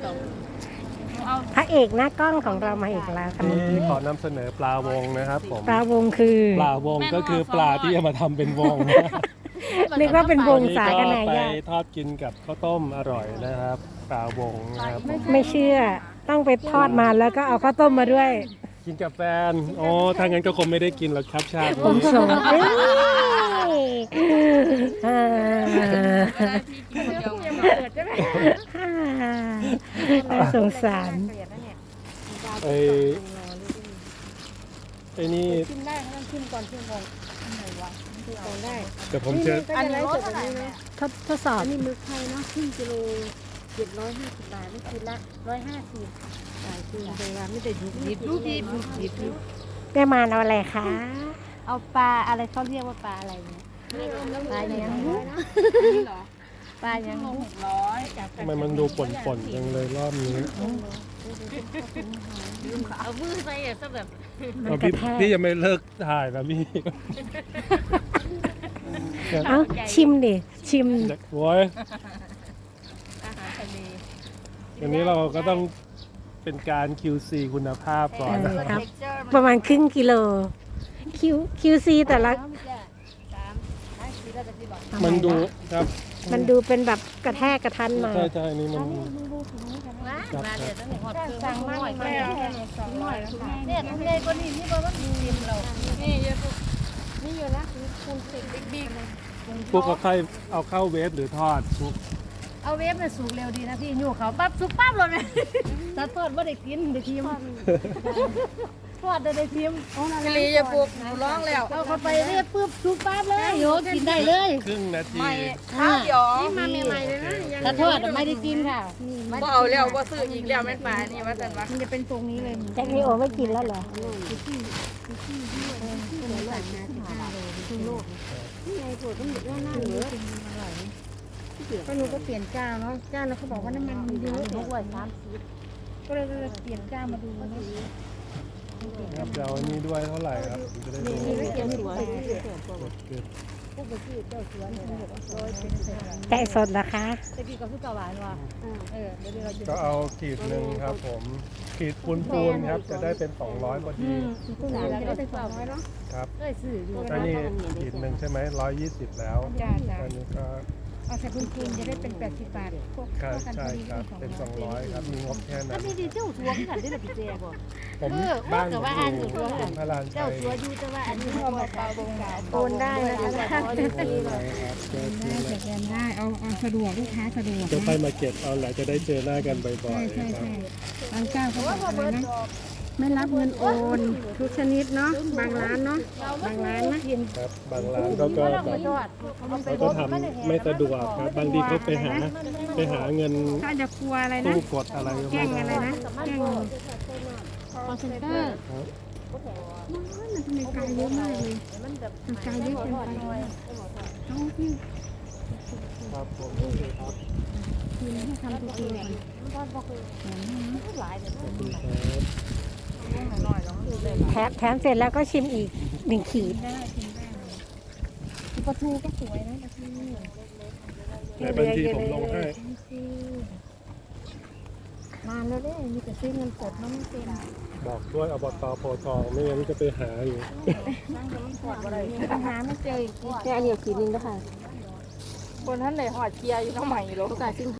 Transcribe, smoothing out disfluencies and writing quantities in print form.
พระเอกหน้ากล้องของเรามาอีกแล้วค่ะนี่ขอนำเสนอปลาวงนะครับผมปลาวงคือปลาวงก็คือปลาที่เอามาทำเป็นวงนึกว่าเป็นวงสาก็กันไหนไปยากทอดกินกับข้าวต้มอร่อยนะครับปลาวงนะครับผมไม่เชื่อต้องไปทอดมาแล้วก็เอาข้าวต้มมาด้วยกินกับแฟนอ๋อถ้างั้นก็คงไม่ได้กินหรอกครับชาติผมนี้ส่งเอ้ยน่าสงสารไอ้นี่ชิมได้เขาต้องชิมก่อนชิมก่อนได้เดี๋ยวผมจะอันนี้รสเท่าไหร่แม่ทดสอบอันนี้หมึกไทยเนาะครึ่งกิโล750 บาทไม่คิดละ150จ่ายคืนไปว่าไม่ได้ยุบยิบยุบยิบยุบยิบยุบแม่มานเอาอะไรคะเอาปลาอะไรเขาเรียกว่าปลาอะไรเนี่ยปลาอย่างนี้ปลาอย่างนี้ทำไมมันดูป่นๆจังเลยรอบนี้เอามือใส่ซะแบบเอาพี่ยังไม่เลิกถ่ายนะพี่เอ้าชิมดิชิมโว้ยอาหารทะเลอันนี้เราก็ต้องเป็นการ QC คุณภาพก่อนนะครับครับ ประมาณครึ่งกิโล QC แต่ละมันดูครับมันดูเป็นแบบกระแทกกระทันมาใช่ใช่นี่มันมาเดี๋ยวต้องหอดเครื่องสั่งมาหน่อยเนี่ยทำไงก็นี่นี่บอกว่าชิมเรานี่เยอะนี่อยู่นะคุณสิบิ๊กพวกเอาเข้าเวฟหรือทอดทุกเอาเวฟเนี่ยสุกเร็วดีนะพี่อยู่เขาปั๊บสุกปั๊บเลยนะถ้าทอดว่าได้กินได้ทีมทอดได้ทีมกะลีจะปลูกร้องแล้วเอาเข้าไปเรียบปุ๊บสุกปั๊บเลยโยกินได้เลยครึ่งนาทีข้าวหยองมาใหม่ๆเลยนะถ้าทอดไม่ได้กินค่ะบ่เอาแล้วบ่ซื้ออีกแล้วแม่นปลานี่ว่าซั่นว่ามันจะเป็นตรงนี้เลยแจ็คนีโอไม่กินแล้วเหรอก็หนูก็เปลี่ยนเจ้าเนาะเจ้าแล้วเขาบอกว่าน้ำมันมันเยอะก็เลยเปลี่ยนเจ้ามาดูนะครับเดี๋ยวอันนี้ด้วยเท่าไหร่ครับผมจะได้รู้นี่เปลี่ยนสวยเกิดแกะสดนะคะแต่พี่กับผู้กหวานว่ะเดี๋ยวเราจะก็เอาขีดหนึ่งครับผมขีดปูนๆครับจะได้เป็น200พอดีผู้หวานเราจะได้เป็นสาวน้อยเนาะครับได้สื่อดูอันนี้ขีดหนึ่งใช่ไหม120แล้วจ้าจ้าอันนี้ก็เอาใส่คุณจะได้เป็น80 บาทพวกครับใช่ครับเป็น200ครับมีงบแค่นั้นมีดีเจ้าชัวที่กันได้หรือพี่เจ๊บ่ผมบ้านผมอยู่พระรานชัเจ้าย ชัวอยู่แต่ว่าอันนี้พอเปล่าบงกาโอนได้นะคะสแกนได้เอาสะดวกลูกค้าสะดวกจะไปมาเก็บเอาแหละจะได้เจอหน้ากันบ่อยๆครับบางเจ้าเขาบอกอะไรนะไม่รับเงินโอน ทุกชนิดเนาะบางร้านเนาะบางร้านนะครับบางร้านเขาก็แบบเขาก็ทำไม่สะดวกครับบางทีเขาไปหาเงินถ้าจะกลัวอะไรนะตู้กดอะไรก็แกล้ไม่งอะไรได้นะแกล้งคอนเซนเตอร์ครับมันทำไมไกลเยอะมากเลยมันไกลเยอะเกินไปต้องพี่ครับผมครับทีมให้ทำตัวเองขอบคุณครับแถมเสร็จแล้วก็ชิมอีก1 ขีดปลาทูก็สวยนะปลาทูในบัญชีผมลงให้นานแล้วเนี่ยมีแต่ซื้อเงินสดเนาะไม่เป็นบอกด้วยอบตโพธิ์ทองไม่งั้นจะไปหาอยู่ปัญหาไม่เจออีกแค่อันเดียวขีดนึงก็ค่ะคนท่านไหนหอดเคียร์อยู่น้ำใหม่หรอโอกาสจริง